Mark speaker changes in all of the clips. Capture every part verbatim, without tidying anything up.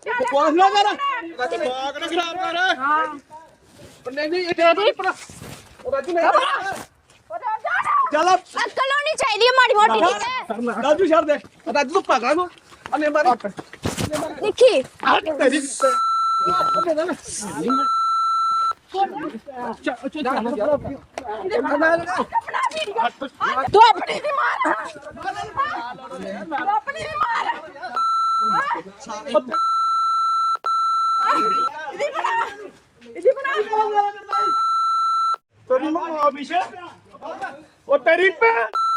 Speaker 1: ਪੁੱਛ ਲੈ ਜਰਾ ਦਿਮਾਗ ਨਾ ਖਰਾਬ ਕਰ ਹਾਂ ਨਹੀਂ ਨਹੀਂ ਇਹ ਦੇ ਪਰ ਉਹ ਰਾਜੂ ਨਹੀਂ ਚੱਲ
Speaker 2: ਅਕਲ ਹੋਣੀ ਚਾਹੀਦੀ ਹੈ ਮਾੜੀ ਮੋਟੀ ਨਹੀਂ ਤੇ
Speaker 1: ਰਾਜੂ ਛੱਡ ਦੇ ਰਾਜੂ ਤੂੰ ਪਾਗਲ ਨੂੰ ਅਨੇ ਮਾਰੀ
Speaker 2: ਦੇਖੀ
Speaker 1: ਤੇਰੀ
Speaker 2: ਤੂੰ ਆਪਣੀ ਦੀ ਮਾਰ ਤੂੰ ਆਪਣੀ ਦੀ ਮਾਰ ਇਹਦੀ ਬਣਾ ਇਹਦੀ ਬਣਾ
Speaker 1: ਤੇਰੀ ਮਾਂ ਵਿਸ਼ੇ ਉਹ ਤੇਰੀ ਪੇ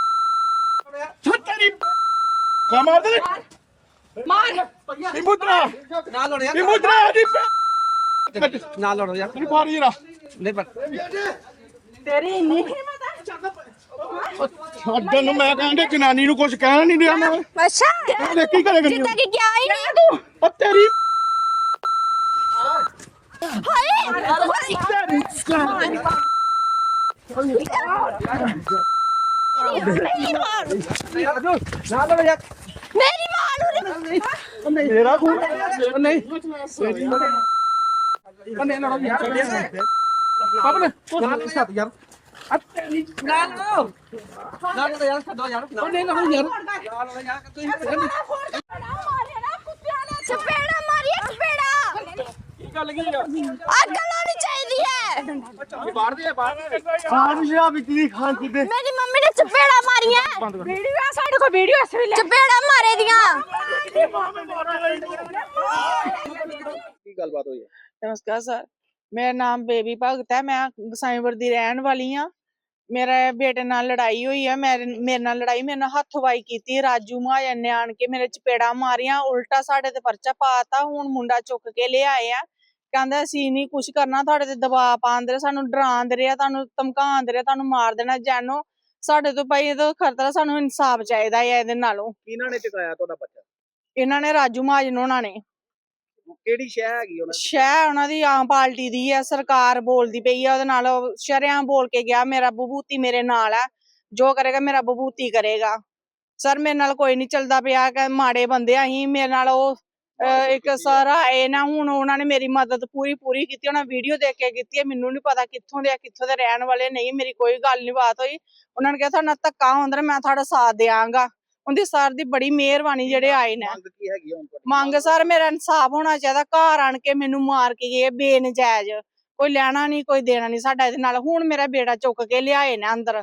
Speaker 1: ਛੱਤਰੀ ਕਾ ਮਾਰ ਦੇ
Speaker 2: ਮਾਰ
Speaker 1: ਨਿਮੁਦਰਾ
Speaker 3: ਨਾ ਲੜੋ ਯਾਰ
Speaker 1: ਨਿਮੁਦਰਾ ਦੀ ਪੇ
Speaker 3: ਨਾ ਲੜੋ ਯਾਰ
Speaker 1: ਤੇਰੀ ਮਾਰੀ ਜਰਾ
Speaker 3: ਨਹੀਂ ਪਰ
Speaker 2: ਤੇਰੀ ਇੰਨੀ ਹਿੰਮਤ ਹੈ
Speaker 1: ਛੱਡਣ ਨੂੰ ਮੈਂ ਕਹਿੰਦੇ ਜਨਾਨੀ ਨੂੰ ਕੁਝ ਕਹਿਣਾ ਨਹੀਂ ਦਿਆ ਮੈਂ
Speaker 2: ਅੱਛਾ
Speaker 1: ਦੇਖ ਕੀ ਕਰੇਗਾ
Speaker 2: ਜਿੱਦਾਂ ਕਿ ਗਿਆ ਹੀ ਨਹੀਂ ਤੂੰ
Speaker 1: ਉਹ ਤੇਰੀ
Speaker 2: ਹਾਏ
Speaker 3: ਨਾ ਲੜੋ ਯਾਰ
Speaker 2: ਮੇਰੀ ਮਾਂ ਨੂੰ
Speaker 1: ਮੇਰਾ ਖੂਨ
Speaker 3: ਨਹੀਂ
Speaker 1: ਬੰਨੇ ਨਾ ਯਾਰ
Speaker 3: ਪਾਪਾ ਨੇ ਨਾ ਸੱਤ ਯਾਰ ਅੱਤੇ ਨਾ ਲੜੋ ਨਾ ਲੜੋ ਯਾਰ ਛੱਡੋ ਯਾਰ ਨਹੀਂ ਲੜੋ ਯਾਰ ਨਾ ਲੜੋ ਯਾਰ ਤੁਸੀਂ
Speaker 2: ਚਪੇੜਾ ਮਾਰੀਏ ਚਪੇੜਾ
Speaker 1: ਕੀ ਗੱਲ ਕੀ ਆ
Speaker 2: ਅਕਲ ਹੋਣੀ ਚਾਹੀਦੀ ਹੈ
Speaker 1: ਬਾਹਰ ਦੇ ਬਾਹਰ ਖਾਣ ਜਿਹਾ ਵਿਚਲੀ ਖਾਣ ਕਿਤੇ
Speaker 2: ਮੇਰੀ ਮੰਮੀ ਨੇ ਚਪੇੜਾ ਮਾਰੀਆਂ ਵੀਡੀਓ ਆ ਸਾਡੇ ਕੋਲ ਵੀਡੀਓ ਇਸ ਵੇਲੇ ਚਪੇੜਾ ਮਾਰੇ ਦੀਆਂ
Speaker 3: ਕੀ ਗੱਲਬਾਤ ਹੋਈ ਹੈ
Speaker 4: नमस्कार सर मेरा नाम बेबी भगत है मैं गसाईपुर ਦੀ ਰਹਿਣ ਵਾਲੀ ਆ ਮੇਰੇ ਬੇਟੇ ਨਾਲ ਲੜਾਈ ਹੋਈ ਹੈ ਮੇਰੇ ਮੇਰੇ ਨਾਲ ਲੜਾਈ ਮੇਰੇ ਨਾਲ ਹੱਥਵਾਈ ਕੀਤੀ ਰਾਜੂ ਮਹਾਜਨ ਨੇ ਆਣ ਕੇ ਮੇਰੇ ਚਪੇੜਾ ਮਾਰੀਆਂ ਉਲਟਾ ਸਾਡੇ ਤੇ ਪਰਚਾ ਪਾਤਾ ਹੁਣ ਮੁੰਡਾ ਚੁੱਕ ਕੇ ਲਿਆਏ ਆ ਕਹਿੰਦਾ ਅਸੀਂ ਨਹੀਂ ਕੁਝ ਕਰਨਾ ਤੁਹਾਡੇ ਤੇ ਦਬਾਅ ਪਾਉਂਦੇ ਰਹੇ ਸਾਨੂੰ ਡਰਾਉਂਦੇ ਰਹੇ ਤੁਹਾਨੂੰ ਧਮਕਾਉਂਦੇ ਰਹੇ ਤੁਹਾਨੂੰ ਮਾਰ ਦੇਣਾ ਜਾਨੋ ਸਾਡੇ ਤੋਂ ਭਾਈ ਇਹਦਾ ਖਤਰਾ ਸਾਨੂੰ ਇਨਸਾਫ ਚਾਹੀਦਾ ਹੈ ਇਹਦੇ ਨਾਲੋਂ
Speaker 3: ਕਿਹਨਾਂ ਨੇ ਚੁਕਾਇਆ ਤੁਹਾਡਾ ਬੱਚਾ
Speaker 4: ਇਹਨਾਂ ਨੇ ਰਾਜੂ ਮਹਾਜਨ ਉਹਨਾਂ ਨੇ
Speaker 3: ਕਿਹੜੀ ਸ਼ਹਿ ਹੈਗੀ ਉਹਨਾਂ
Speaker 4: ਸ਼ਹਿ ਉਹਨਾਂ ਦੀ ਆਮ ਪਾਰਟੀ ਦੀ ਹੈ ਸਰਕਾਰ ਬੋਲਦੀ ਪਈ ਹੈ ਉਹਦੇ ਨਾਲ ਸ਼ਰਿਆਂ ਬੋਲ ਕੇ ਗਿਆ ਮੇਰਾ ਬਬੂਤੀ ਮੇਰੇ ਨਾਲ ਹੈ ਜੋ ਕਰੇਗਾ ਮੇਰਾ ਬਬੂਤੀ ਕਰੇਗਾ ਸਰ ਮੇਰੇ ਨਾਲ ਕੋਈ ਨਹੀਂ ਚੱਲਦਾ ਪਿਆ ਕਿ ਮਾੜੇ ਬੰਦੇ ਆ ਅਸੀਂ ਮੇਰੇ ਨਾਲ ਉਹ ਇੱਕ ਸਰ ਆਏ ਨਾ ਹੁਣ ਉਹਨਾਂ ਨੇ ਮੇਰੀ ਮਦਦ ਪੂਰੀ ਪੂਰੀ ਕੀਤੀ ਉਹਨਾਂ ਵੀਡੀਓ ਦੇਖ ਕੇ ਕੀਤੀ ਹੈ ਮੈਨੂੰ ਨਹੀਂ ਪਤਾ ਕਿੱਥੋਂ ਦੇ ਆ ਕਿੱਥੋਂ ਦੇ ਰਹਿਣ ਵਾਲੇ ਨਹੀਂ ਮੇਰੀ ਕੋਈ ਗੱਲ ਨਹੀਂ ਬਾਤ ਹੋਈ ਉਹਨਾਂ ਨੇ ਕਿਹਾ ਤੁਹਾਡਾ ਧੱਕਾ ਹੁੰਦਾ ਮੈਂ ਤੁਹਾਡਾ ਸਾਥ ਦਿਆਂਗਾ ਉਹਦੀ ਸਰ ਦੀ ਬੜੀ ਮਿਹਰਬਾਨੀ ਜਿਹੜੇ ਆਏ ਨੇ
Speaker 3: ਮੰਗ ਕੀ ਹੈਗੀ ਹੁਣ ਤੁਹਾਡੀ
Speaker 4: ਮੰਗ ਸਰ ਮੇਰਾ ਇਨਸਾਫ ਹੋਣਾ ਚਾਹੀਦਾ ਘਰ ਆਣ ਕੇ ਮੈਨੂੰ ਮਾਰ ਕੇ ਗਏ ਬੇਨਜਾਇਜ਼ ਕੋਈ ਲੈਣਾ ਨਹੀਂ ਕੋਈ ਦੇਣਾ ਨਹੀਂ ਸਾਡਾ ਇਹਦੇ ਨਾਲ ਹੁਣ ਮੇਰਾ ਬੇੜਾ ਚੁੱਕ ਕੇ ਲਿਆਏ ਨੇ ਅੰਦਰ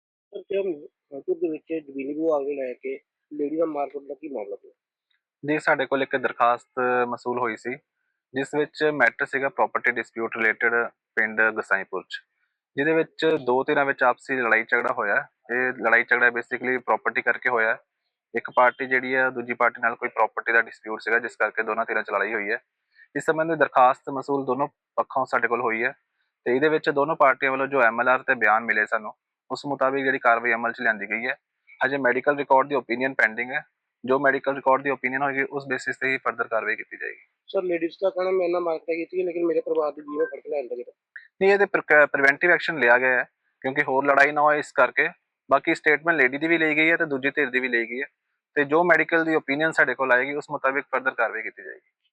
Speaker 3: ਤੁਰ ਦੇ ਵਿੱਚ ਜ਼ਮੀਨੀ ਵਿਭਾਗ ਨੂੰ ਲੈ ਕੇ ਲੇਡੀ ਦਾ ਮਾਰਕੁੱਟ ਦਾ ਕੀ ਮਾਮਲਾ ਹੈ
Speaker 5: ਜੀ ਸਾਡੇ ਕੋਲ ਇੱਕ ਦਰਖਾਸਤ ਮਸੂਲ ਹੋਈ ਸੀ ਜਿਸ ਵਿੱਚ ਮੈਟਰ ਸੀਗਾ ਪ੍ਰਾਪਰਟੀ ਡਿਸਪਿਊਟ ਰਿਲੇਟਡ ਪਿੰਡ ਗਸਾਈਪੁਰ ਚ ਜਿਹਦੇ ਵਿੱਚ ਦੋ ਧਿਰਾਂ ਵਿੱਚ ਆਪਸੀ ਲੜਾਈ ਝਗੜਾ ਹੋਇਆ ਇਹ ਲੜਾਈ ਝਗੜਾ ਬੇਸਿਕਲੀ ਪ੍ਰਾਪਰਟੀ ਕਰਕੇ ਹੋਇਆ ਇੱਕ ਪਾਰਟੀ ਜਿਹੜੀ ਹੈ ਦੂਜੀ ਪਾਰਟੀ ਨਾਲ ਕੋਈ ਪ੍ਰਾਪਰਟੀ ਦਾ ਡਿਸਪਿਊਟ ਸੀਗਾ ਜਿਸ ਕਰਕੇ ਦੋਨਾਂ ਧਿਰਾਂ ਚ ਲੜਾਈ ਹੋਈ ਹੈ ਇਸ ਸੰਬੰਧੀ ਦਰਖਾਸਤ ਮਸੂਲ ਦੋਨੋਂ ਪੱਖੋਂ ਸਾਡੇ ਕੋਲ ਹੋਈ ਹੈ ਤੇ ਇਹਦੇ ਵਿੱਚ ਦੋਨੋਂ ਪਾਰਟੀਆਂ ਵੱਲੋਂ ਜੋ ਐਮਐਲਆਰ ਤੇ ਬਿਆਨ ਮਿਲੇ ਸਾਨੂੰ ਉਸ ਮੁਤਾਬਿਕ ਜਿਹੜੀ ਕਾਰਵਾਈ ਅਮਲ ਚ ਲਿਆਂਦੀ ਗਈ ਹੈ ਹਜੇ ਮੈਡੀਕਲ ਰਿਕਾਰਡ ਦੀ ਓਪੀਨੀਅਨ ਪੈਂਡਿੰਗ ਹੈ ਜੋ ਮੈਡੀਕਲ ਰਿਕਾਰਡ ਦੀ ਓਪੀਨੀਅਨ ਹੋਏਗੀ ਉਸ ਬੇਸਿਸ ਤੇ ਹੀ ਫਰਦਰ ਕਾਰਵਾਈ ਕੀਤੀ ਜਾਏਗੀ
Speaker 3: ਸਰ ਲੇਡੀਜ਼ ਦਾ ਕਹਿਣਾ ਮੈਂ ਨਾ ਮਾਰਕਾ ਕੀਤੀ ਹੈ ਲੇਕਿਨ ਮੇਰੇ ਪਰਿਵਾਰ ਦੀ ਜੀਵਨ ਫਰਕ ਲੈਂਦਾ ਜਿਹੜਾ
Speaker 5: ਨਹੀਂ ਇਹਦੇ ਪ੍ਰੀਵੈਂਟਿਵ ਐਕਸ਼ਨ ਲਿਆ ਗਿਆ ਹੈ ਕਿਉਂਕਿ ਹੋਰ ਲੜਾਈ ਨਾ ਹੋਏ ਇਸ ਕਰਕੇ ਬਾਕੀ ਸਟੇਟਮੈਂਟ ਲੇਡੀ ਦੀ ਵੀ ਲਈ ਗਈ ਹੈ ਤੇ ਦੂਜੀ ਧਿਰ ਦੀ ਵੀ ਲਈ ਗਈ ਹੈ ਤੇ ਜੋ ਮੈਡੀਕਲ ਦੀ ਓਪੀਨੀਅਨ ਸਾਡੇ ਕੋਲ ਆਏਗੀ ਉਸ ਮੁਤਾਬਿਕ ਫਰਦਰ ਕਾਰਵਾਈ ਕੀਤੀ ਜਾਏਗੀ।